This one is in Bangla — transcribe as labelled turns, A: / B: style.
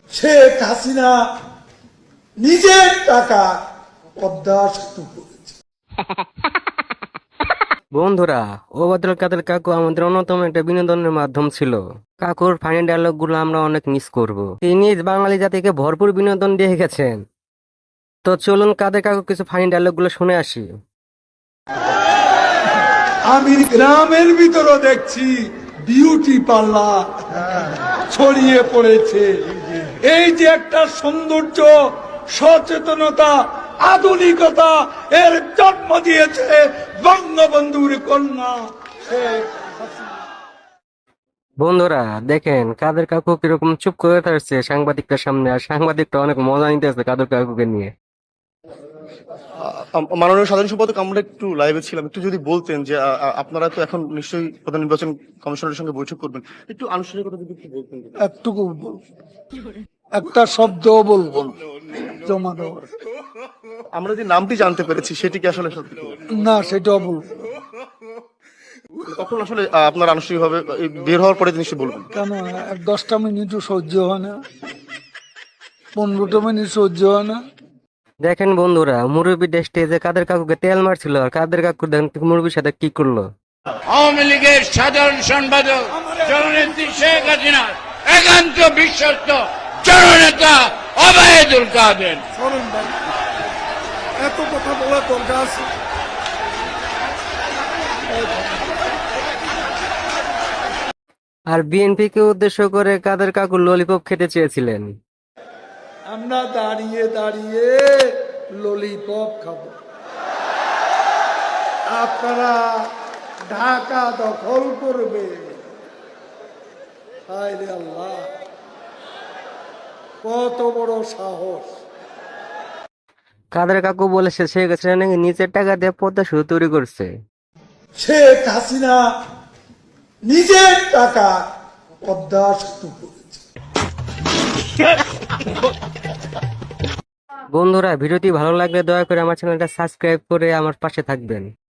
A: শেখ হাসিনা নিজের টাকা পদ্মা সেতু করেছে।
B: বন্ধুরা, ওবায়দুল কাদের কাকু আমাদের অন্যতম একটা বিনোদনের মাধ্যম ছিল। কাকুর ফানি ডায়লগ গুলো আমরা অনেক মিস করব। তিনি বাঙালি জাতিকে ভরপুর বিনোদন দিয়ে গেছেন। তো চলুন কাদের কাকু কিছু ফানি ডায়লগ গুলো শুনে আসি।
A: আমি গ্রামের ভিতরে দেখছি বিউটি পার্লার ছড়িয়ে পড়েছে। এই যে একটা সৌন্দর্য, সচেতনতা, আধুনিকতা এর জন্ম দিয়েছে বঙ্গবন্ধুর কন্যা শেখ হাসিনা।
B: বন্ধুরা দেখেন কাদের কাকু কিরকম চুপ করে থাকছে সাংবাদিকটার সামনে, আর সাংবাদিকটা অনেক মজা নিতেছে কাদের কাকুকে নিয়ে।
C: মাননীয় সাধারণ সম্পাদক, আমরা একটু লাইভে ছিলাম, একটু যদি বলতেন যে আপনারা তো এখন নিশ্চয়ই প্রধান নির্বাচন কমিশনের সঙ্গে বৈঠক করবেন, একটু আনুষ্ঠানিকতা যদি একটু বলতেন।
A: একটুকু একটা শব্দ বলবো জমা দেওয়ার
C: আমরা যে নামটি জানতে পেরেছি সেটি কি আসলে সত্যি?
A: না, সেটাও বলবো।
C: কখন আসলে আপনার আনুষ্ঠানিকভাবে বের হওয়ার পরে নিশ্চয়ই বলবেন?
A: কেন 10টা মিনিটও সহ্য হয় না, 15টা মিনিট সহ্য হয় না।
B: দেখেন বন্ধুরা, মুরব্বী স্টেজে কাদের কাকুকে তেল মারছিল, আর কাদের কাকু দেখেন মুরব্বীর সাথে কি করলো।
D: আওয়ামী লীগের সাধারণ সম্পাদক জননেত্রী শেখ হাসিনার একান্ত বিশ্বস্ত জননেতা ওবায়দুল কাদের।
A: এত কথা বলার দরকার আছে?
B: আর বিএনপি কে উদ্দেশ্য করে কাদের কাকু ললিপপ খেতে চেয়েছিলেন।
A: আমরা দাঁড়িয়ে দাঁড়িয়ে ললিপপ খাবো, আপনারা ঢাকা দখল করবে। হায় রে আল্লাহ, কত বড় সাহস!
B: কাদের কাকু বলেছে শেখ হাসিনা নাকি নিজের টাকা দিয়ে পদ্মা সেতু তৈরি করছে।
A: শেখ হাসিনা নিজের টাকা পদ্মা সেতু করেছে।
B: বন্ধুরা, ভিডিওটি ভালো লাগলে দয়া করে আমার চ্যানেলটা সাবস্ক্রাইব করে আমার পাশে থাকবেন।